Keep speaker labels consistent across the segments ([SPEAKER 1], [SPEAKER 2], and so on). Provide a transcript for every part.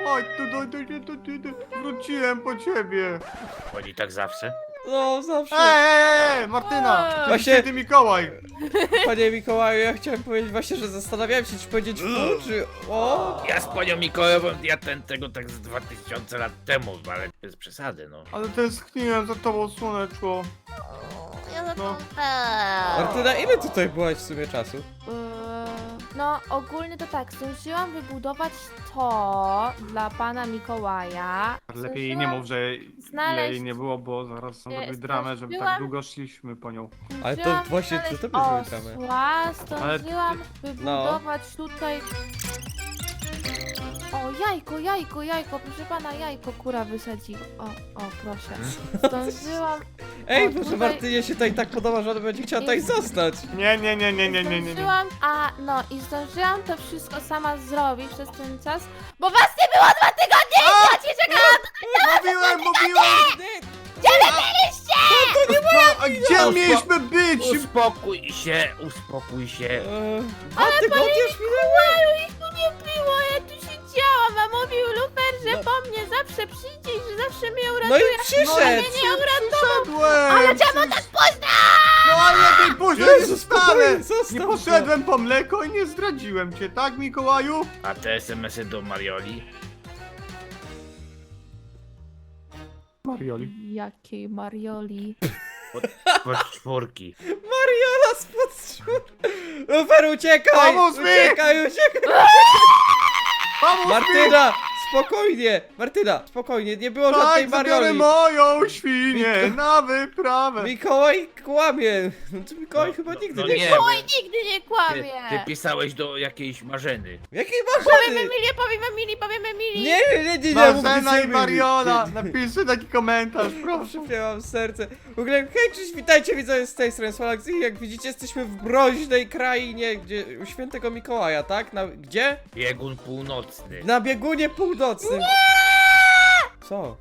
[SPEAKER 1] Chodź tu, wróciłem po ciebie.
[SPEAKER 2] Chodzi tak zawsze.
[SPEAKER 3] No, zawsze.
[SPEAKER 1] Martyna!
[SPEAKER 3] Właśnie-
[SPEAKER 1] Właśnie ty Mikołaj!
[SPEAKER 3] Panie Mikołaju, ja chciałem powiedzieć właśnie, że zastanawiałem się, czy powiedzieć czy... O!
[SPEAKER 2] Ja z panią Mikołajową, ja tego tak z 2000 lat temu, ale bez przesady, no.
[SPEAKER 1] Ale tęskniłem za tobą, słoneczko.
[SPEAKER 4] Ja za
[SPEAKER 1] No.
[SPEAKER 4] to
[SPEAKER 3] Martyna, ile tutaj byłaś w sumie czasu?
[SPEAKER 4] No, ogólnie to tak, zdążyłam wybudować to dla pana Mikołaja.
[SPEAKER 1] Lepiej jej nie mów, że ile
[SPEAKER 4] znaleźć-
[SPEAKER 1] jej nie było, bo zaraz są robić dramę, żeby tak
[SPEAKER 4] zdążyłam-
[SPEAKER 1] długo szliśmy po nią.
[SPEAKER 3] Ale to
[SPEAKER 4] Zdążyłam
[SPEAKER 3] właśnie
[SPEAKER 4] znaleźć
[SPEAKER 3] to tobie zrobię dramę.
[SPEAKER 4] osła, zdążyłam
[SPEAKER 3] No.
[SPEAKER 4] wybudować tutaj... O, jajko, proszę pana, jajko kura wysadzi. O, proszę. Zdążyłam...
[SPEAKER 3] Ej,
[SPEAKER 4] O,
[SPEAKER 3] proszę
[SPEAKER 4] tutaj-
[SPEAKER 3] Martynie się tutaj tak podoba, że ona będzie chciała tutaj zostać.
[SPEAKER 1] Nie.
[SPEAKER 4] Zdążyłam, i zdążyłam to wszystko sama zrobić przez ten czas, bo was nie było 2 tygodnie i ja ci czekałam!
[SPEAKER 1] Mówiłem!
[SPEAKER 4] Gdzie wy byliście?
[SPEAKER 1] A gdzie mieliśmy być?
[SPEAKER 2] Uspokój się.
[SPEAKER 3] 2 tygodnie już minęły?
[SPEAKER 4] Maju, ich tu nie było, ja tu siedziałam, a mówił Lufer, że po mnie zawsze przyjdzie i że zawsze mnie
[SPEAKER 3] No
[SPEAKER 4] uratuje.
[SPEAKER 3] i przyszedł!
[SPEAKER 4] Nie uratował!
[SPEAKER 1] Przyszedłem!
[SPEAKER 4] Ale czemu tak późno?
[SPEAKER 1] No ale lepiej późno
[SPEAKER 3] Jezu,
[SPEAKER 1] nie
[SPEAKER 3] spokojnie,
[SPEAKER 1] wstanę!
[SPEAKER 3] zostaw
[SPEAKER 1] Nie
[SPEAKER 3] go.
[SPEAKER 1] poszedłem po mleko i nie zdradziłem cię, tak Mikołaju?
[SPEAKER 2] A te SMS-y do Marioli?
[SPEAKER 1] Marioli.
[SPEAKER 4] Jakiej Marioli?
[SPEAKER 2] Pod czwórki.
[SPEAKER 3] Mariola spod Lufer, uciekaj!
[SPEAKER 1] Pomóż mi!
[SPEAKER 3] Uciekaj!
[SPEAKER 1] Pomóż mi!
[SPEAKER 3] Martyna! Spokojnie! Martyna, spokojnie, nie było żadnej
[SPEAKER 1] Tak, zabiorę
[SPEAKER 3] Marioli!
[SPEAKER 1] moją świnię na wyprawę!
[SPEAKER 3] Mikołaj kłamie! No to Mikołaj chyba nigdy
[SPEAKER 2] no
[SPEAKER 3] nie
[SPEAKER 2] nie.
[SPEAKER 3] kłamie.
[SPEAKER 4] Oj, nigdy nie
[SPEAKER 2] Ty
[SPEAKER 4] kłamie!
[SPEAKER 2] pisałeś do jakiejś Marzeny.
[SPEAKER 3] Jakiej
[SPEAKER 4] Powiemy
[SPEAKER 3] marzeny?
[SPEAKER 4] Mili!
[SPEAKER 3] Nie,
[SPEAKER 1] Marzena i
[SPEAKER 3] mów,
[SPEAKER 1] Mariola!
[SPEAKER 3] nie.
[SPEAKER 1] Napiszcie taki komentarz, proszę.
[SPEAKER 3] Przypięłam serce. W ogóle, hej, cześć, witajcie widzowie z tej strony Swalax i jak widzicie jesteśmy w mroźnej krainie, gdzie u świętego Mikołaja, tak? Gdzie?
[SPEAKER 2] Biegun północny.
[SPEAKER 3] Na biegunie północnym. Co?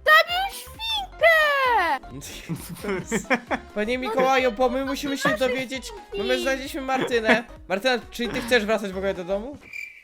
[SPEAKER 3] Panie Mikołaju, bo my musimy się dowiedzieć, bo my znaleźliśmy Martynę. Martyna, czyli ty chcesz wracać w ogóle do domu?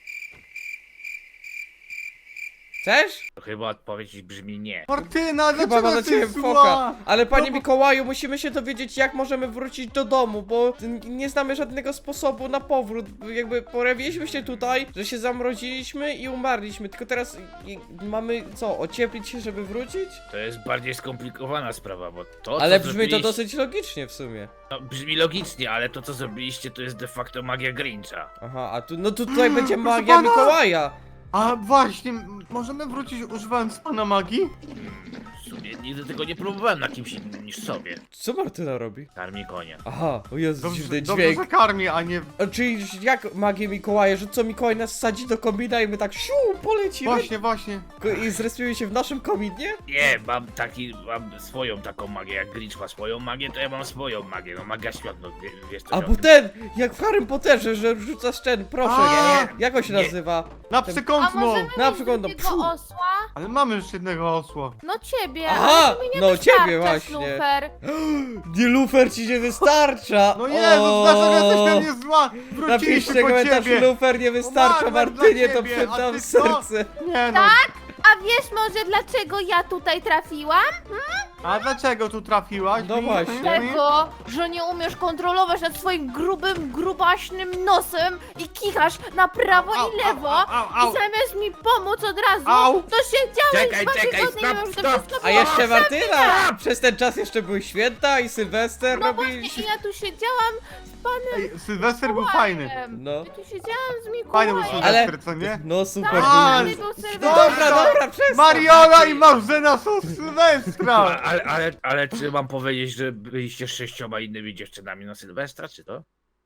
[SPEAKER 3] Chcesz?
[SPEAKER 2] To chyba odpowiedź brzmi nie.
[SPEAKER 1] Martyna,
[SPEAKER 3] Chyba ma
[SPEAKER 1] dlaczego
[SPEAKER 3] na ciebie
[SPEAKER 1] jesteś
[SPEAKER 3] foka.
[SPEAKER 1] zła?
[SPEAKER 3] Ale panie
[SPEAKER 1] No bo-
[SPEAKER 3] Mikołaju, musimy się dowiedzieć, jak możemy wrócić do domu, bo nie znamy żadnego sposobu na powrót. Jakby pojawiliśmy się tutaj, że się zamroziliśmy i umarliśmy. Tylko teraz mamy co, ocieplić się, żeby wrócić?
[SPEAKER 2] To jest bardziej skomplikowana sprawa, bo to
[SPEAKER 3] Ale
[SPEAKER 2] co
[SPEAKER 3] brzmi to
[SPEAKER 2] zrobiliście-
[SPEAKER 3] dosyć logicznie w sumie.
[SPEAKER 2] No, brzmi logicznie, ale to co zrobiliście to jest de facto magia Grincha.
[SPEAKER 3] Aha, a tu, no tutaj będzie
[SPEAKER 1] proszę
[SPEAKER 3] magia
[SPEAKER 1] pana!
[SPEAKER 3] Mikołaja.
[SPEAKER 1] A właśnie, możemy wrócić używając pana magii?
[SPEAKER 2] W sumie nigdy tego nie próbowałem na kimś innym niż sobie.
[SPEAKER 3] Co Martyna robi?
[SPEAKER 2] Karmi konia.
[SPEAKER 3] Aha, o Jezu, dziwny
[SPEAKER 1] Dobrze,
[SPEAKER 3] dźwięk.
[SPEAKER 1] że karmi, a nie...
[SPEAKER 3] A czyli jak magię Mikołaja, że co Mikołaj nas sadzi do komina i my tak siu, polecimy
[SPEAKER 1] Właśnie.
[SPEAKER 3] i zrespimy się w naszym kominie?
[SPEAKER 2] Nie, mam swoją taką magię, jak Grinch ma swoją magię, to ja mam swoją magię, no magia świat, no wiesz co.
[SPEAKER 3] A bo ten, jak w Harrym Potterze, że rzucasz ten, proszę,
[SPEAKER 1] A,
[SPEAKER 3] jak on się
[SPEAKER 2] nie.
[SPEAKER 3] nazywa?
[SPEAKER 1] Na
[SPEAKER 3] Ten-
[SPEAKER 4] A
[SPEAKER 1] przekątną!
[SPEAKER 4] możemy
[SPEAKER 3] Na
[SPEAKER 4] mieć
[SPEAKER 3] przykład, no,
[SPEAKER 4] drugiego
[SPEAKER 3] pfu.
[SPEAKER 4] osła?
[SPEAKER 1] Ale mamy już jednego osła.
[SPEAKER 4] No ciebie,
[SPEAKER 3] Aha,
[SPEAKER 4] ale to mi nie
[SPEAKER 3] no
[SPEAKER 4] wystarcza,
[SPEAKER 3] ciebie właśnie.
[SPEAKER 4] Lufer.
[SPEAKER 3] Nie, Lufer ci nie wystarcza!
[SPEAKER 1] No Jezus, dlaczego jesteś na mnie zła? Wróciliśmy
[SPEAKER 3] Napiszcie
[SPEAKER 1] po
[SPEAKER 3] komentarz,
[SPEAKER 1] ciebie!
[SPEAKER 3] Lufer nie wystarcza,
[SPEAKER 1] Umarłem dla
[SPEAKER 3] Martynie to
[SPEAKER 1] ciebie, a
[SPEAKER 3] przydam
[SPEAKER 1] ty co?
[SPEAKER 3] serce.
[SPEAKER 1] Nie no,
[SPEAKER 4] A wiesz może dlaczego ja tutaj trafiłam?
[SPEAKER 1] a dlaczego tu trafiłaś?
[SPEAKER 3] No właśnie.
[SPEAKER 4] Tego, że nie umiesz kontrolować nad swoim grubym, grubaśnym nosem i kichasz na prawo
[SPEAKER 1] Au,
[SPEAKER 4] i lewo
[SPEAKER 1] au.
[SPEAKER 4] i zamiast mi pomóc od razu,
[SPEAKER 1] Au.
[SPEAKER 4] to siedziałeś
[SPEAKER 2] Czekaj,
[SPEAKER 4] 2
[SPEAKER 2] czekaj,
[SPEAKER 4] tygodnie i
[SPEAKER 2] stop,
[SPEAKER 4] już to
[SPEAKER 2] stop.
[SPEAKER 4] wszystko
[SPEAKER 3] A
[SPEAKER 4] było
[SPEAKER 3] jeszcze Martyna!
[SPEAKER 4] przebite.
[SPEAKER 3] Przez ten czas jeszcze były święta i Sylwester
[SPEAKER 4] No właśnie,
[SPEAKER 3] robiliśmy.
[SPEAKER 4] i ja tu siedziałam z panem
[SPEAKER 1] Ej, Sylwester był fajny.
[SPEAKER 4] Mikołajem.
[SPEAKER 3] No.
[SPEAKER 4] Ja tu siedziałam z
[SPEAKER 1] Fajny był
[SPEAKER 4] Mikołajem.
[SPEAKER 1] Sylwester, co nie?
[SPEAKER 3] No super.
[SPEAKER 4] Tak,
[SPEAKER 3] był.
[SPEAKER 4] fajny był
[SPEAKER 3] No
[SPEAKER 4] Sylwester.
[SPEAKER 3] dobra, przestań.
[SPEAKER 1] Mariola i Marzena są z Sylwestra!
[SPEAKER 2] Ale czy mam powiedzieć, że byliście z 6 innymi dziewczynami na Sylwestra, czy to?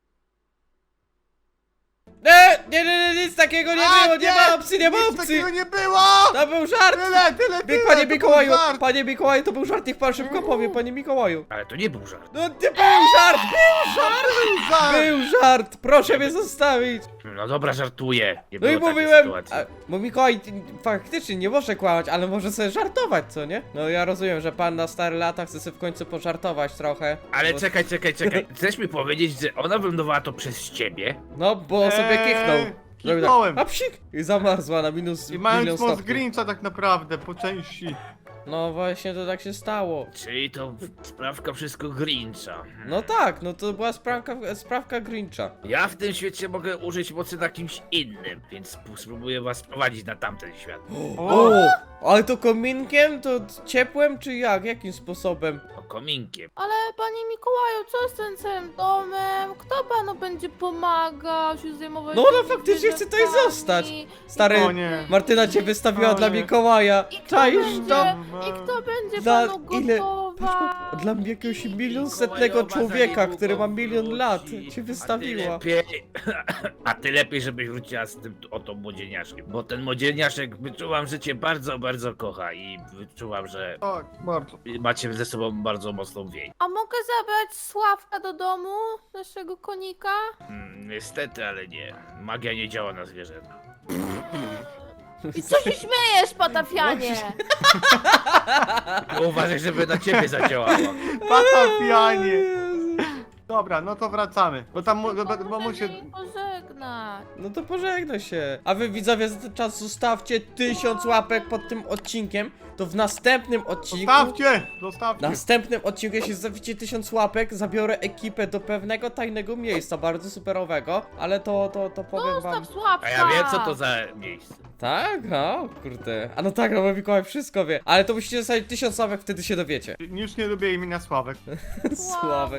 [SPEAKER 3] Nie, nic takiego nie
[SPEAKER 1] A,
[SPEAKER 3] było, nie ma opcji, nie ma
[SPEAKER 1] Nic
[SPEAKER 3] opcji.
[SPEAKER 1] takiego nie było!
[SPEAKER 3] To był żart.
[SPEAKER 1] Tyle,
[SPEAKER 3] Panie
[SPEAKER 1] to był
[SPEAKER 3] Mikołaju,
[SPEAKER 1] żart.
[SPEAKER 3] panie Mikołaju, to był żart, niech pan szybko powie, panie Mikołaju.
[SPEAKER 2] Ale to nie był żart.
[SPEAKER 3] No nie był żart,
[SPEAKER 1] Żart.
[SPEAKER 3] był żart, proszę mnie zostawić.
[SPEAKER 2] No dobra, żartuję. Nie
[SPEAKER 3] No i
[SPEAKER 2] było takiej
[SPEAKER 3] mówiłem,
[SPEAKER 2] sytuacji.
[SPEAKER 3] bo Mikołaj faktycznie nie może kłamać, ale może sobie żartować, co nie? No ja rozumiem, że pan na stare lata chce sobie w końcu pożartować trochę.
[SPEAKER 2] Ale
[SPEAKER 3] bo,
[SPEAKER 2] czekaj. Chcesz mi powiedzieć, że ona wylądowała to przez ciebie?
[SPEAKER 3] No, bo sobie kichnął. Zrobię tak.
[SPEAKER 1] Kliknąłem.
[SPEAKER 3] A psik! I zamarzła na minus
[SPEAKER 1] I
[SPEAKER 3] milion
[SPEAKER 1] mając moc
[SPEAKER 3] stopni.
[SPEAKER 1] Grincha tak naprawdę, po części.
[SPEAKER 3] No właśnie, to tak się stało.
[SPEAKER 2] Czyli to sprawka wszystko Grincha.
[SPEAKER 3] No tak, no to była sprawka Grincha.
[SPEAKER 2] Ja w tym świecie mogę użyć mocy na kimś innym, więc spróbuję was prowadzić na tamten świat.
[SPEAKER 3] O! Ale to kominkiem? To ciepłem, czy jak? Jakim sposobem?
[SPEAKER 2] O, kominkiem.
[SPEAKER 4] Ale panie Mikołaju, co z tym całym domem? Kto panu będzie pomagał się zajmować
[SPEAKER 3] No,
[SPEAKER 4] tymi
[SPEAKER 3] faktycznie chcę tutaj
[SPEAKER 4] zwierzętami?
[SPEAKER 3] zostać. Stary,
[SPEAKER 1] O nie.
[SPEAKER 3] Martyna cię wystawiła
[SPEAKER 1] O
[SPEAKER 3] dla
[SPEAKER 1] nie.
[SPEAKER 3] Mikołaja.
[SPEAKER 4] I kto
[SPEAKER 3] Czaisz
[SPEAKER 4] będzie,
[SPEAKER 3] to?
[SPEAKER 4] I kto będzie
[SPEAKER 3] Dla
[SPEAKER 4] panu
[SPEAKER 3] ile-
[SPEAKER 4] gotował?
[SPEAKER 3] Dla mnie jakiegoś milionsetnego
[SPEAKER 2] Mikołajowa
[SPEAKER 3] człowieka,
[SPEAKER 2] za
[SPEAKER 3] który ma
[SPEAKER 2] niedługo
[SPEAKER 3] milion lat,
[SPEAKER 2] wróci,
[SPEAKER 3] cię wystawiła.
[SPEAKER 2] A ty lepiej, żebyś wróciła z tym oto młodzieniaszkiem. Bo ten młodzieniaszek, wyczuwam, że cię bardzo, bardzo kocha i wyczuwam, że
[SPEAKER 1] Tak, bardzo.
[SPEAKER 2] macie ze sobą bardzo mocną więź.
[SPEAKER 4] A mogę zabrać Sławka do domu? Naszego konika?
[SPEAKER 2] Niestety, ale nie. Magia nie działa na zwierzęta.
[SPEAKER 4] I co się śmiejesz, patafianie?
[SPEAKER 2] Uważaj, żeby na ciebie zadziałała.
[SPEAKER 1] Patafianie. Dobra, no to wracamy. Bo tam bo mu się...
[SPEAKER 4] Możemy pożegnać.
[SPEAKER 3] No to pożegnaj się. A wy widzowie za ten czas zostawcie 1000 łapek pod tym odcinkiem. To w następnym odcinku.
[SPEAKER 1] Zostawcie! Zostawcie!
[SPEAKER 3] W następnym odcinku, jeśli zostawicie 1000 łapek, zabiorę ekipę do pewnego tajnego miejsca, bardzo superowego, ale to powiem wam.
[SPEAKER 4] Zostaw Sławka!
[SPEAKER 2] A ja wiem, co to za miejsce.
[SPEAKER 3] Tak? O, kurde. A no tak, no bo Mikołaj wszystko wie. Ale to musicie zostawić 1000 łapek, wtedy się dowiecie.
[SPEAKER 1] Już nie lubię imienia Sławek.
[SPEAKER 3] Sławek.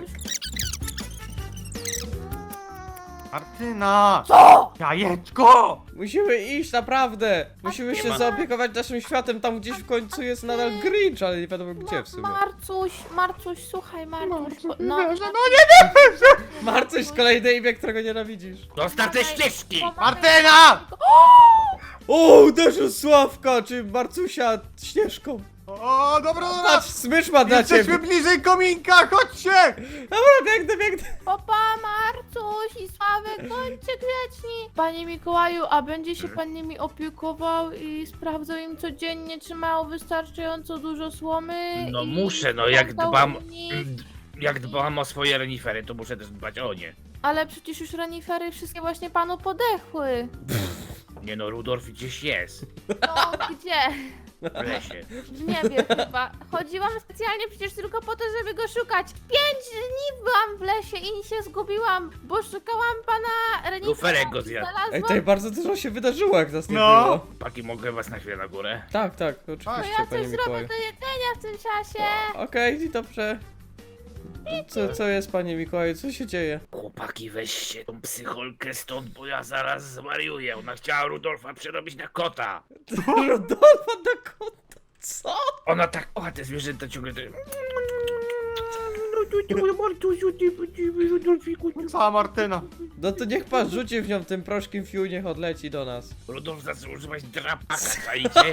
[SPEAKER 1] Martyna!
[SPEAKER 4] Co?
[SPEAKER 1] Jajeczko!
[SPEAKER 3] Musimy iść, naprawdę. Musimy
[SPEAKER 2] nie
[SPEAKER 3] się
[SPEAKER 2] ma.
[SPEAKER 3] zaopiekować naszym światem, tam gdzieś w końcu jest nadal Grinch, ale nie wiadomo gdzie w sumie.
[SPEAKER 4] Marcuś, słuchaj, Marcuś.
[SPEAKER 1] No
[SPEAKER 4] No,
[SPEAKER 1] nie wierzę!
[SPEAKER 3] Marcuś, kolejne imię, którego nienawidzisz.
[SPEAKER 2] Zostaw te ścieżki!
[SPEAKER 1] Martyna!
[SPEAKER 3] O, uderzył Sławka, czy Marcusia śnieżką.
[SPEAKER 1] O, dobra, dobra!
[SPEAKER 3] Patrz, smycz ma dla
[SPEAKER 1] Jesteśmy
[SPEAKER 3] ciebie.
[SPEAKER 1] bliżej kominka, chodźcie!
[SPEAKER 3] Dobra, biegnę.
[SPEAKER 4] Papa, Marcuś i Sławek, bądźcie grzeczni. Panie Mikołaju, a będzie się pan nimi opiekował i sprawdzał im codziennie, czy mają wystarczająco dużo słomy?
[SPEAKER 2] No
[SPEAKER 4] i
[SPEAKER 2] muszę, no jak
[SPEAKER 4] sprawdzał
[SPEAKER 2] dbam...
[SPEAKER 4] nimi?
[SPEAKER 2] Jak dbam o swoje renifery, to muszę też dbać o nie.
[SPEAKER 4] Ale przecież już renifery wszystkie właśnie panu podechły.
[SPEAKER 2] Nie no, Rudolf gdzieś jest.
[SPEAKER 4] No, gdzie?
[SPEAKER 2] W lesie.
[SPEAKER 4] W niebie chyba. Chodziłam specjalnie przecież tylko po to, żeby go szukać. 5 dni byłam w lesie i się zgubiłam, bo szukałam pana renifera.
[SPEAKER 2] Luferek go
[SPEAKER 4] i
[SPEAKER 2] zjadł.
[SPEAKER 3] Ej,
[SPEAKER 4] znalazłam.
[SPEAKER 3] tutaj bardzo dużo się wydarzyło, jak nas nie
[SPEAKER 1] No.
[SPEAKER 3] było.
[SPEAKER 2] Paki, mogę was na chwilę na górę?
[SPEAKER 3] Tak,
[SPEAKER 4] To
[SPEAKER 3] oczywiście,
[SPEAKER 4] ja
[SPEAKER 3] panie
[SPEAKER 4] coś zrobię
[SPEAKER 3] Mikołaju.
[SPEAKER 4] do jedzenia w tym czasie.
[SPEAKER 3] Okej, dobrze. Co jest, panie Mikołaju, co się dzieje?
[SPEAKER 2] Chłopaki, weźcie tą psycholkę stąd, bo ja zaraz zwariuję. Ona chciała Rudolfa przerobić na kota.
[SPEAKER 3] Rodolfa na kota, co?
[SPEAKER 2] Ona tak kocha te zwierzęta ciągle.
[SPEAKER 1] Cała Martyna.
[SPEAKER 3] No to niech pan rzuci w nią tym proszkiem fiu, niech odleci do nas.
[SPEAKER 2] Rudolf zaczął używać drapaka, czaicie?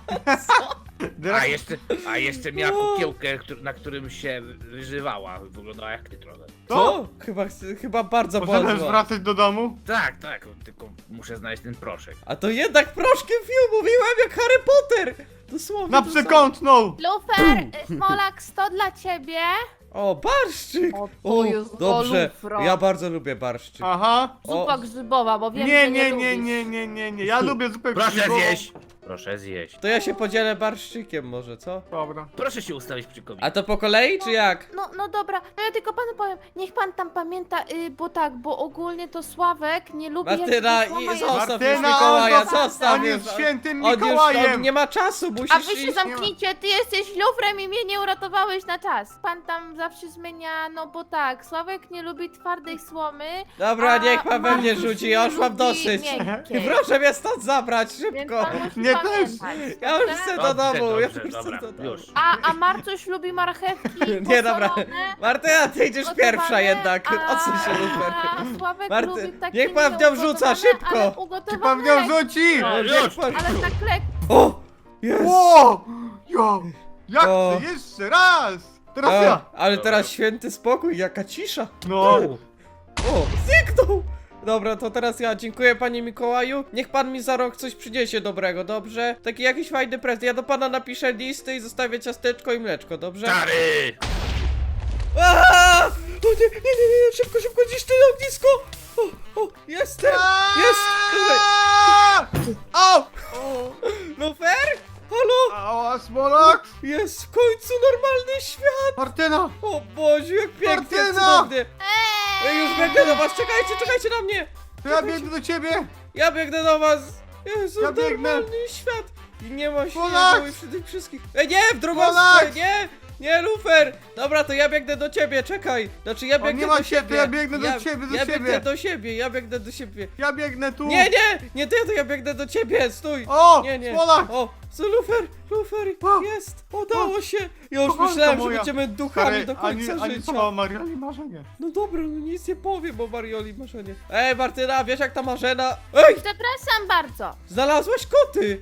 [SPEAKER 2] A jeszcze miała kukiełkę, na którym się wyżywała. Wyglądała jak ty trochę.
[SPEAKER 3] Co? Chyba bardzo
[SPEAKER 1] Możemy już
[SPEAKER 3] bardzo.
[SPEAKER 1] wracać do domu?
[SPEAKER 2] Tak, tylko muszę znaleźć ten proszek.
[SPEAKER 3] A to jednak proszkiem fiu, mówiłem jak Harry Potter! Dosłownie
[SPEAKER 1] Na
[SPEAKER 3] to samo.
[SPEAKER 1] przekątną!
[SPEAKER 4] Lufer, Smolak, 100 dla ciebie.
[SPEAKER 3] O, barszczyk!
[SPEAKER 4] O, to jest
[SPEAKER 3] dobrze,
[SPEAKER 4] golufra.
[SPEAKER 3] ja bardzo lubię barszczyk.
[SPEAKER 1] Aha.
[SPEAKER 4] Zupa grzybowa, bo wiem,
[SPEAKER 1] Nie,
[SPEAKER 4] że
[SPEAKER 1] nie,
[SPEAKER 4] lubisz.
[SPEAKER 1] nie. Ja lubię zupę
[SPEAKER 2] Proszę
[SPEAKER 1] grzybową.
[SPEAKER 2] zjeść! Proszę zjeść.
[SPEAKER 3] To ja się podzielę barszczykiem może, co?
[SPEAKER 1] Dobra.
[SPEAKER 2] Proszę się ustawić przy kominie.
[SPEAKER 3] A to po kolei, czy jak?
[SPEAKER 4] No dobra, no ja tylko panu powiem, niech pan tam pamięta, bo ogólnie to Sławek nie lubi
[SPEAKER 3] Martyna,
[SPEAKER 4] jak słoma
[SPEAKER 3] i
[SPEAKER 4] jest-
[SPEAKER 3] zostaw już
[SPEAKER 1] Martyna,
[SPEAKER 3] Mikołaja,
[SPEAKER 1] on
[SPEAKER 3] zostaw już.
[SPEAKER 1] jest świętym
[SPEAKER 3] On już
[SPEAKER 1] Mikołajem!
[SPEAKER 3] nie ma czasu,
[SPEAKER 4] A
[SPEAKER 3] musisz
[SPEAKER 4] wy się
[SPEAKER 3] iść.
[SPEAKER 4] zamknijcie, ty jesteś lufrem i mnie nie uratowałeś na czas. Pan tam zawsze zmienia, no bo tak, Sławek nie lubi twardej słomy.
[SPEAKER 3] Dobra,
[SPEAKER 4] a
[SPEAKER 3] niech pan we mnie
[SPEAKER 4] Marcin
[SPEAKER 3] rzuci,
[SPEAKER 4] nie
[SPEAKER 3] ja już mam
[SPEAKER 4] lubi
[SPEAKER 3] dosyć.
[SPEAKER 4] miękkiej.
[SPEAKER 3] Proszę mnie stąd zabrać,
[SPEAKER 4] Więc
[SPEAKER 3] szybko.
[SPEAKER 4] pan musi
[SPEAKER 1] Nie
[SPEAKER 4] pamiętać,
[SPEAKER 3] Ja już
[SPEAKER 4] dobrze?
[SPEAKER 3] chcę do domu, ja
[SPEAKER 2] Dobrze,
[SPEAKER 3] już chcę
[SPEAKER 2] dobra,
[SPEAKER 3] do domu.
[SPEAKER 2] już.
[SPEAKER 4] A Marcuś lubi marchewki
[SPEAKER 3] Nie, dobra.
[SPEAKER 4] posolone,
[SPEAKER 3] Martyna, ty idziesz
[SPEAKER 4] gotowane,
[SPEAKER 3] pierwsza jednak. Odsuń się, Lufer.
[SPEAKER 4] A Sławek
[SPEAKER 3] Marty,
[SPEAKER 4] lubi takie
[SPEAKER 3] niech pan w nią rzuca,
[SPEAKER 4] nieugotowane,
[SPEAKER 3] szybko.
[SPEAKER 4] ale
[SPEAKER 1] Czy
[SPEAKER 4] ugotowane
[SPEAKER 1] pan w nią
[SPEAKER 4] lekko.
[SPEAKER 1] rzuci?
[SPEAKER 2] No,
[SPEAKER 3] Niech
[SPEAKER 2] już.
[SPEAKER 3] pan-
[SPEAKER 4] Ale tak lekko.
[SPEAKER 3] O! Jest!
[SPEAKER 1] O! Jo! Jak
[SPEAKER 3] O.
[SPEAKER 1] chcę jeszcze raz! Teraz ja!
[SPEAKER 3] Ale teraz święty spokój, jaka cisza.
[SPEAKER 1] No.
[SPEAKER 3] O, zniknął! Dobra, to teraz ja dziękuję panie Mikołaju. Niech pan mi za rok coś przyniesie dobrego, dobrze? Taki jakiś fajny prezent. Ja do pana napiszę listy i zostawię ciasteczko i mleczko, dobrze?
[SPEAKER 2] Stary!
[SPEAKER 3] Aaaa! O nie, szybko, gdzieś to ognisko! O, jestem! Jest! Tutaj.
[SPEAKER 1] Au!
[SPEAKER 3] Lufer? Halo?
[SPEAKER 1] Ała, Smolak!
[SPEAKER 3] Jest w końcu normalny świat!
[SPEAKER 1] Martyna!
[SPEAKER 3] O Boże, jak pięknie,
[SPEAKER 1] Martyna!
[SPEAKER 3] cudownie! Ja już biegnę do was, czekajcie na mnie!
[SPEAKER 1] To ja biegnę do ciebie!
[SPEAKER 3] Ja biegnę do was! Jezu,
[SPEAKER 1] Ja biegnę.
[SPEAKER 3] normalny świat! I nie ma
[SPEAKER 1] Polak!
[SPEAKER 3] śniegu i przy tych wszystkich... nie, w drugą
[SPEAKER 1] Polak!
[SPEAKER 3] stronę, nie, Lufer! Dobra, to ja biegnę do ciebie, czekaj! Znaczy ja
[SPEAKER 1] O,
[SPEAKER 3] biegnę
[SPEAKER 1] nie ma
[SPEAKER 3] do
[SPEAKER 1] się,
[SPEAKER 3] siebie!
[SPEAKER 1] to ja biegnę do ciebie, do
[SPEAKER 3] ja
[SPEAKER 1] siebie.
[SPEAKER 3] biegnę do siebie, ja biegnę do siebie!
[SPEAKER 1] Ja biegnę tu!
[SPEAKER 3] Nie ty, to ja biegnę do ciebie, stój!
[SPEAKER 1] O!
[SPEAKER 3] Nie!
[SPEAKER 1] Smolak!
[SPEAKER 3] O, co Lufer,
[SPEAKER 1] O!
[SPEAKER 3] jest! Udało się! Ja już
[SPEAKER 1] Kochanka
[SPEAKER 3] myślałem, że
[SPEAKER 1] moja.
[SPEAKER 3] będziemy duchami do końca
[SPEAKER 1] ani
[SPEAKER 3] życia!
[SPEAKER 1] słowa Maria, ani marzenie.
[SPEAKER 3] No dobra, no nic nie powiem o Marioli Marzenie. Ej, Martyna, wiesz jak ta Marzena... Ej,
[SPEAKER 4] Przepraszam bardzo.
[SPEAKER 3] znalazłaś koty!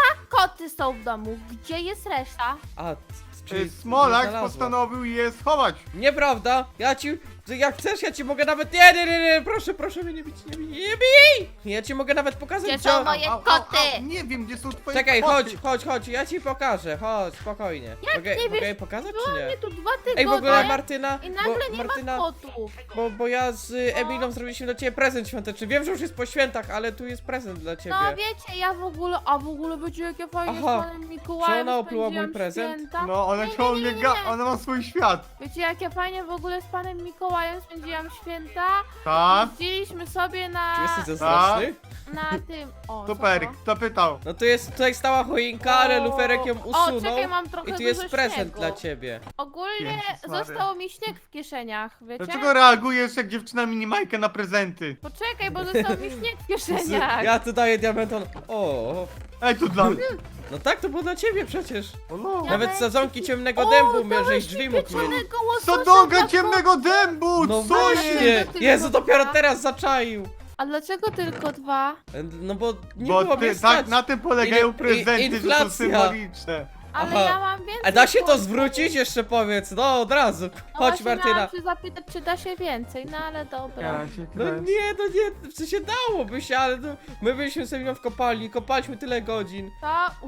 [SPEAKER 4] Koty są w domu. Gdzie jest reszta?
[SPEAKER 3] A, czyli
[SPEAKER 1] Smolak
[SPEAKER 3] znalazła.
[SPEAKER 1] postanowił je schować.
[SPEAKER 3] Nieprawda, ja ci... Jak chcesz, ja ci mogę nawet... Nie, proszę mnie nie bić, nie bij! Ja ci mogę nawet pokazać,
[SPEAKER 4] Gdzie
[SPEAKER 3] gdzie...
[SPEAKER 4] są moje koty?
[SPEAKER 1] Nie wiem, gdzie są twoje
[SPEAKER 3] Czekaj,
[SPEAKER 1] koty.
[SPEAKER 3] chodź, ja ci pokażę, chodź, spokojnie. Mogę
[SPEAKER 4] nie wiesz,
[SPEAKER 3] je pokazać, czy
[SPEAKER 4] Była mnie
[SPEAKER 3] nie?
[SPEAKER 4] tu 2 tygodnie
[SPEAKER 3] Ej, w ogóle Martyna...
[SPEAKER 4] i nagle
[SPEAKER 3] bo,
[SPEAKER 4] nie
[SPEAKER 3] Martyna,
[SPEAKER 4] ma kotów.
[SPEAKER 3] bo ja z Emilą zrobiliśmy dla ciebie prezent świąteczny. Wiem, że już jest po świętach, ale tu jest prezent dla ciebie.
[SPEAKER 4] No wiecie, ja w ogóle będzie jakie fajnie
[SPEAKER 3] Aha.
[SPEAKER 4] z panem Mikołajem
[SPEAKER 3] Czy ona opluła mój
[SPEAKER 4] spędziłam
[SPEAKER 3] prezent?
[SPEAKER 4] święta.
[SPEAKER 1] No, ona
[SPEAKER 4] Nie,
[SPEAKER 1] ciągle
[SPEAKER 4] nie, nie, nie.
[SPEAKER 1] ona ma swój świat.
[SPEAKER 4] Wiecie, jakie fajnie w ogóle z panem Mikołajem spędziłam święta?
[SPEAKER 1] Tak?
[SPEAKER 4] Jeździliśmy sobie na...
[SPEAKER 3] Czy jesteś zazdrosny?
[SPEAKER 4] na tym... O,
[SPEAKER 1] Super,
[SPEAKER 4] co to?
[SPEAKER 1] kto pytał?
[SPEAKER 3] No tu jest, tutaj stała choinka, ale
[SPEAKER 4] O,
[SPEAKER 3] Luferek ją usunął.
[SPEAKER 4] O, czekaj, mam trochę
[SPEAKER 3] I tu jest
[SPEAKER 4] dużo
[SPEAKER 3] prezent
[SPEAKER 4] śniegu.
[SPEAKER 3] dla ciebie.
[SPEAKER 4] Ogólnie
[SPEAKER 1] Jezus Maria.
[SPEAKER 4] został mi śnieg w kieszeniach, wiecie?
[SPEAKER 1] Dlaczego reagujesz jak dziewczyna minimajkę na prezenty?
[SPEAKER 4] Poczekaj, bo został mi śnieg w kieszeniach.
[SPEAKER 3] Ja tu daję diamenton. O,
[SPEAKER 1] Ej, to dla mnie?
[SPEAKER 3] no tak, to było dla ciebie przecież.
[SPEAKER 1] O no.
[SPEAKER 4] Ja
[SPEAKER 3] Nawet
[SPEAKER 4] weź-
[SPEAKER 3] sadzonki ciemnego
[SPEAKER 4] O,
[SPEAKER 3] dębu
[SPEAKER 4] dałeś
[SPEAKER 3] żeś
[SPEAKER 4] mi
[SPEAKER 3] drzwi mógł mieć.
[SPEAKER 4] pieczonego łososia
[SPEAKER 1] Sodonka
[SPEAKER 4] dla
[SPEAKER 1] ciemnego dębu!
[SPEAKER 3] No
[SPEAKER 1] Co jest?
[SPEAKER 3] właśnie,
[SPEAKER 4] tylko
[SPEAKER 3] Jezu, dopiero
[SPEAKER 4] dwa.
[SPEAKER 3] teraz zaczaił.
[SPEAKER 4] A dlaczego tylko 2?
[SPEAKER 3] No bo nie
[SPEAKER 1] Bo
[SPEAKER 3] było mnie
[SPEAKER 1] ty,
[SPEAKER 3] stać.
[SPEAKER 1] tak, na tym polegają
[SPEAKER 3] In-
[SPEAKER 1] prezenty, że
[SPEAKER 3] inflacja.
[SPEAKER 1] są symboliczne.
[SPEAKER 4] Ale
[SPEAKER 3] Aha.
[SPEAKER 4] ja mam więcej
[SPEAKER 3] A da się to
[SPEAKER 4] kotów.
[SPEAKER 3] zwrócić? Jeszcze powiedz, no od razu.
[SPEAKER 4] No
[SPEAKER 3] Chodź
[SPEAKER 4] właśnie
[SPEAKER 3] Martyna.
[SPEAKER 4] miałam się zapytać, czy da się więcej, no ale dobra.
[SPEAKER 3] No nie, w sensie dałoby się, ale my byliśmy sobie w kopalni, kopaliśmy tyle godzin.
[SPEAKER 4] To...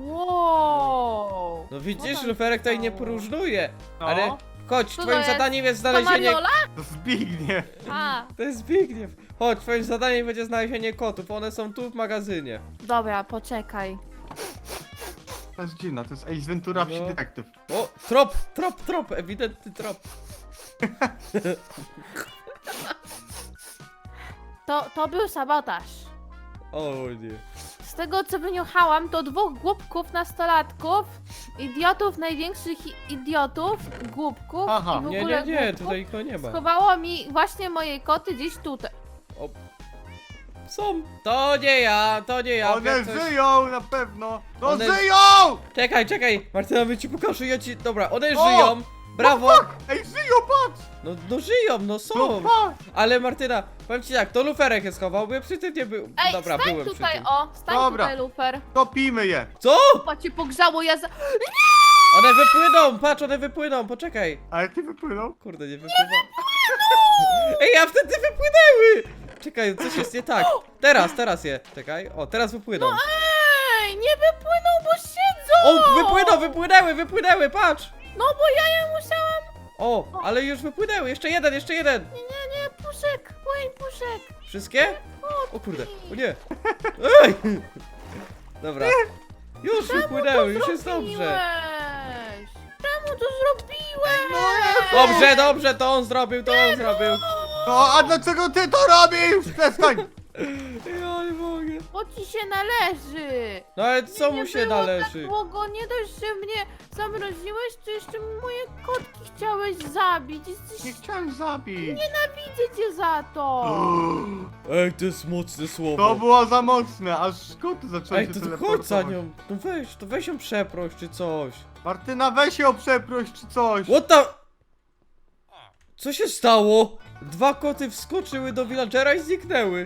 [SPEAKER 4] Wow.
[SPEAKER 3] No widzisz,
[SPEAKER 4] tam
[SPEAKER 3] Luferek tutaj nie
[SPEAKER 4] stało?
[SPEAKER 3] poróżnuje.
[SPEAKER 1] No.
[SPEAKER 3] Ale chodź,
[SPEAKER 4] Co to
[SPEAKER 3] twoim
[SPEAKER 4] jest?
[SPEAKER 3] zadaniem jest
[SPEAKER 4] To
[SPEAKER 3] znalezienie...
[SPEAKER 4] Mariola?
[SPEAKER 1] To Zbigniew.
[SPEAKER 4] A,
[SPEAKER 3] To jest Zbigniew. Chodź, twoim zadaniem będzie znalezienie kotów, one są tu w magazynie.
[SPEAKER 4] dobra, poczekaj.
[SPEAKER 1] To jest dziwne, to jest Ace Ventura
[SPEAKER 3] No.
[SPEAKER 1] wsi detektyw.
[SPEAKER 3] O, trop, ewidentny trop.
[SPEAKER 4] To był sabotaż.
[SPEAKER 3] O nie.
[SPEAKER 4] Z tego co wyniuchałam, to 2 głupków nastolatków, idiotów, największych idiotów, głupków
[SPEAKER 1] Aha.
[SPEAKER 4] i w ogóle
[SPEAKER 3] Nie,
[SPEAKER 4] głupków,
[SPEAKER 3] tutaj go nie ma.
[SPEAKER 4] schowało mi właśnie moje koty gdzieś tutaj.
[SPEAKER 3] O. Są. To nie ja.
[SPEAKER 1] One
[SPEAKER 3] jak coś-
[SPEAKER 1] żyją na pewno! No
[SPEAKER 3] One-
[SPEAKER 1] żyją!
[SPEAKER 3] Czekaj, Martyna, my ci pokażę, ja ci... Dobra, one
[SPEAKER 1] O!
[SPEAKER 3] żyją. Brawo.
[SPEAKER 1] Ej, żyją, patrz!
[SPEAKER 3] No żyją, no
[SPEAKER 1] No
[SPEAKER 3] są.
[SPEAKER 1] patrz!
[SPEAKER 3] Ale Martyna, powiem ci tak, to Luferek je schował, bo ja przy tym nie był.
[SPEAKER 4] Ej,
[SPEAKER 3] Dobra,
[SPEAKER 4] stań
[SPEAKER 3] byłem przy
[SPEAKER 4] tutaj,
[SPEAKER 3] tym.
[SPEAKER 4] stań
[SPEAKER 1] Dobra.
[SPEAKER 4] tutaj, Lufer.
[SPEAKER 1] Topimy je!
[SPEAKER 3] Co?
[SPEAKER 4] Chyba cię pogrzało, ja za...
[SPEAKER 3] One wypłyną, patrz, one wypłyną, poczekaj.
[SPEAKER 1] Ale ty wypłynął?
[SPEAKER 3] Kurde, nie wypływa. Ej, a wtedy wypłynęły! Czekaj, coś jest nie tak. Teraz je. Czekaj, o, teraz wypłyną.
[SPEAKER 4] Ej, nie wypłyną, bo siedzą!
[SPEAKER 3] O, wypłynęły, patrz!
[SPEAKER 4] No bo ja je musiałam...
[SPEAKER 3] O, ale już wypłynęły, jeszcze jeden.
[SPEAKER 4] Nie, puszek, puszek.
[SPEAKER 3] Wszystkie? O kurde, o nie. Ej! Dobra. Już wypłynęły, już jest dobrze.
[SPEAKER 4] Zrobiłeś? Czemu to zrobiłeś?
[SPEAKER 3] Dobrze, to on zrobił.
[SPEAKER 1] No, a dlaczego ty to robisz? Przestań!
[SPEAKER 3] Ja nie mogę.
[SPEAKER 4] Bo ci się należy.
[SPEAKER 3] No ale co
[SPEAKER 4] Nie
[SPEAKER 3] mu się
[SPEAKER 4] było
[SPEAKER 3] należy?
[SPEAKER 4] Tak długo, nie dość, że mnie zamroziłeś, to jeszcze moje kotki chciałeś zabić. Jesteś...
[SPEAKER 1] Nie chciałem zabić.
[SPEAKER 4] Nienawidzę cię za to.
[SPEAKER 3] Ej, to jest mocne słowo.
[SPEAKER 1] To było za mocne, aż koty zaczęły
[SPEAKER 3] Ej,
[SPEAKER 1] się
[SPEAKER 3] to chodź za
[SPEAKER 1] teleportować.
[SPEAKER 3] nią. No weź ją przeproś czy coś.
[SPEAKER 1] Martyna, weź ją przeproś czy coś.
[SPEAKER 3] What the... Co się stało? 2 koty wskoczyły do villagera i zniknęły.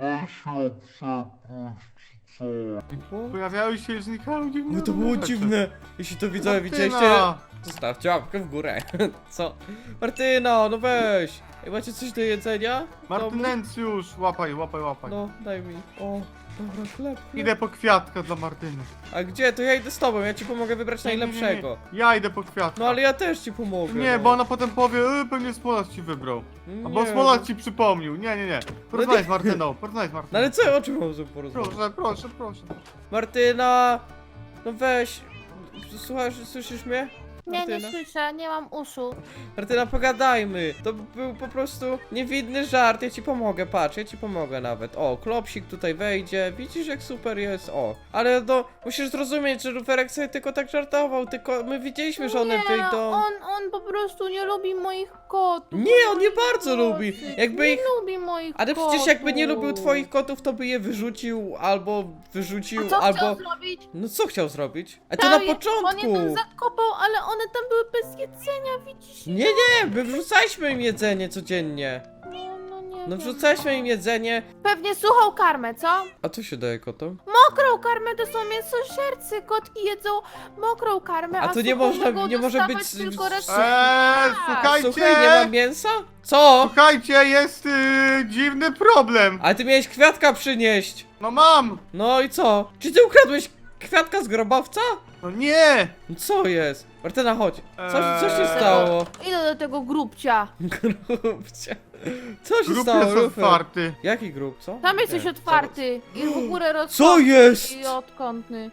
[SPEAKER 1] Pojawiały się i znikały dziwne
[SPEAKER 3] No to było
[SPEAKER 1] rzeczy.
[SPEAKER 3] dziwne. Jeśli to widzowie
[SPEAKER 1] Martyna!
[SPEAKER 3] widzieliście, zostawcie łapkę w górę. Co? Martyna, no weź. Ej, macie coś do jedzenia?
[SPEAKER 1] Martynencjusz, łapaj.
[SPEAKER 3] No, daj mi. O, Dobra, chleb.
[SPEAKER 1] Idę po kwiatka dla Martyny.
[SPEAKER 3] A gdzie? To ja idę z tobą, ja ci pomogę wybrać najlepszego.
[SPEAKER 1] Ja idę po kwiatka.
[SPEAKER 3] No ale ja też ci pomogę.
[SPEAKER 1] Nie,
[SPEAKER 3] no.
[SPEAKER 1] bo ona potem powie, pewnie Smolak ci wybrał. Albo
[SPEAKER 3] Nie,
[SPEAKER 1] Smolak
[SPEAKER 3] no.
[SPEAKER 1] ci przypomnił. Nie. Porozmawiaj z Martyną, porozmawiaj z
[SPEAKER 3] No
[SPEAKER 1] Martyną.
[SPEAKER 3] ale co, o czym mam z tym porozmawiać?
[SPEAKER 1] Proszę.
[SPEAKER 3] Martyna! No weź. Słuchasz, słyszysz mnie?
[SPEAKER 4] Nie, nie
[SPEAKER 3] Martyna?
[SPEAKER 4] słyszę, nie mam uszu.
[SPEAKER 3] Martyna, pogadajmy. To był po prostu niewinny żart, ja ci pomogę, patrz, ja ci pomogę nawet. O, klopsik tutaj wejdzie, widzisz jak super jest, o. Ale no, musisz zrozumieć, że Luferek sobie tylko tak żartował, tylko my widzieliśmy, że one
[SPEAKER 4] Nie,
[SPEAKER 3] wyjdą.
[SPEAKER 4] on po prostu nie lubi moich kotów.
[SPEAKER 3] Nie, on nie
[SPEAKER 4] Moich
[SPEAKER 3] bardzo lubi.
[SPEAKER 4] kotek.
[SPEAKER 3] Jakby
[SPEAKER 4] nie
[SPEAKER 3] ich-
[SPEAKER 4] lubi moich
[SPEAKER 3] Ale
[SPEAKER 4] kotów.
[SPEAKER 3] przecież jakby nie lubił twoich kotów, to by je wyrzucił, albo wyrzucił,
[SPEAKER 4] A co
[SPEAKER 3] albo...
[SPEAKER 4] chciał zrobić?
[SPEAKER 3] No co chciał zrobić? A to
[SPEAKER 4] Tam
[SPEAKER 3] na
[SPEAKER 4] On je
[SPEAKER 3] początku!
[SPEAKER 4] tam zakopał, ale one tam były bez jedzenia, widzisz?
[SPEAKER 3] Nie, my wrzucaliśmy im jedzenie codziennie.
[SPEAKER 4] No nie
[SPEAKER 3] No
[SPEAKER 4] wiem.
[SPEAKER 3] wrzucaliśmy im jedzenie.
[SPEAKER 4] Pewnie suchą karmę, co?
[SPEAKER 3] A co się daje kotom?
[SPEAKER 4] Mokrą karmę to są mięsożercy, kotki jedzą mokrą karmę,
[SPEAKER 3] A to nie
[SPEAKER 4] suchą
[SPEAKER 3] można-
[SPEAKER 4] mogą
[SPEAKER 3] nie może
[SPEAKER 4] dostawać
[SPEAKER 3] być-
[SPEAKER 4] tylko raz.
[SPEAKER 1] Słuchajcie!
[SPEAKER 3] Słuchaj, nie ma mięsa? Co?
[SPEAKER 1] Słuchajcie, jest dziwny problem.
[SPEAKER 3] Ale ty miałeś kwiatka przynieść.
[SPEAKER 1] No mam!
[SPEAKER 3] No i co? Czy ty ukradłeś kwiatka z grobowca?
[SPEAKER 1] No nie!
[SPEAKER 3] No co jest? Martyna, chodź. Co się
[SPEAKER 1] Eee.
[SPEAKER 3] stało?
[SPEAKER 4] Idę do tego grubcia.
[SPEAKER 3] Grubcie. Co się
[SPEAKER 1] Grup
[SPEAKER 3] stało,
[SPEAKER 1] jest
[SPEAKER 3] Lufer?
[SPEAKER 1] otwarty.
[SPEAKER 3] Jaki grób, co?
[SPEAKER 4] Tam jesteś
[SPEAKER 3] Nie,
[SPEAKER 4] otwarty i w ogóle
[SPEAKER 3] Co
[SPEAKER 4] rozkątny
[SPEAKER 3] jest?
[SPEAKER 4] i odkątny.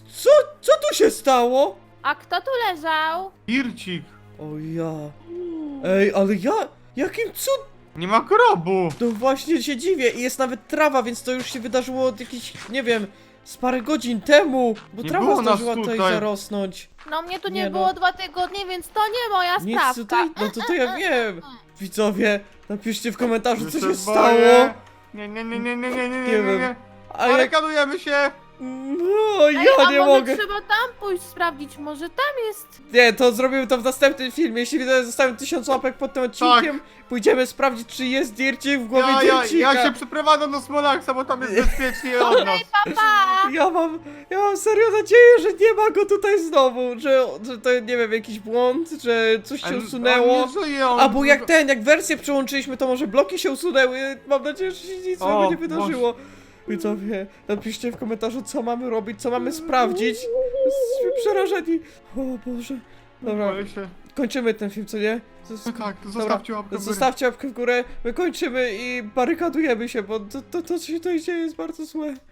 [SPEAKER 3] Co tu się stało?
[SPEAKER 4] A kto tu leżał?
[SPEAKER 1] Ircik.
[SPEAKER 3] O ja. Ej, ale ja... Jakim cud...
[SPEAKER 1] Nie ma grobu.
[SPEAKER 3] No właśnie się dziwię i jest nawet trawa, więc to już się wydarzyło od jakichś, nie wiem, z parę godzin temu. Bo
[SPEAKER 1] Nie
[SPEAKER 3] trawa
[SPEAKER 1] było nas
[SPEAKER 3] zdążyła tutaj
[SPEAKER 1] tutaj.
[SPEAKER 3] zarosnąć.
[SPEAKER 4] No mnie tu nie,
[SPEAKER 3] Nie no.
[SPEAKER 4] było 2 tygodnie, więc to nie moja
[SPEAKER 3] Nic
[SPEAKER 4] sprawka.
[SPEAKER 3] tutaj, no to ja wiem. Widzowie, napiszcie w komentarzu, co
[SPEAKER 1] Ja
[SPEAKER 3] się
[SPEAKER 1] boję.
[SPEAKER 3] stało.
[SPEAKER 1] Nie.
[SPEAKER 3] Nie wiem. A jak...
[SPEAKER 1] Barykadujemy się.
[SPEAKER 3] No,
[SPEAKER 4] Ej,
[SPEAKER 3] ja
[SPEAKER 4] a
[SPEAKER 3] nie
[SPEAKER 4] może
[SPEAKER 3] mogę.
[SPEAKER 4] trzeba tam pójść sprawdzić, może tam jest...
[SPEAKER 3] Nie, to zrobimy to w następnym filmie. Jeśli widzowie zostawią 1000 łapek pod tym odcinkiem, pójdziemy sprawdzić, czy jest Dircik w głowie Dircika.
[SPEAKER 1] Ja się przeprowadzam do Smolaksa, bo tam jest bezpiecznie od nas.
[SPEAKER 4] Pa!
[SPEAKER 3] Ja mam serio nadzieję, że nie ma go tutaj znowu, że to nie wiem, jakiś błąd, że coś się usunęło.
[SPEAKER 1] On nie żyje, on...
[SPEAKER 3] Albo jak wersję przełączyliśmy, to może bloki się usunęły. Mam nadzieję, że się nic złego nie wydarzyło. Widzowie, napiszcie w komentarzu, co mamy robić, co mamy sprawdzić. Jesteśmy przerażeni. O Boże. Dobra,
[SPEAKER 1] Boję się.
[SPEAKER 3] kończymy ten film, co nie?
[SPEAKER 1] Tak,
[SPEAKER 3] Dobra,
[SPEAKER 1] zostawcie łapkę w górę.
[SPEAKER 3] Zostawcie łapkę w górę, my kończymy i barykadujemy się, bo to co się tutaj dzieje jest bardzo złe.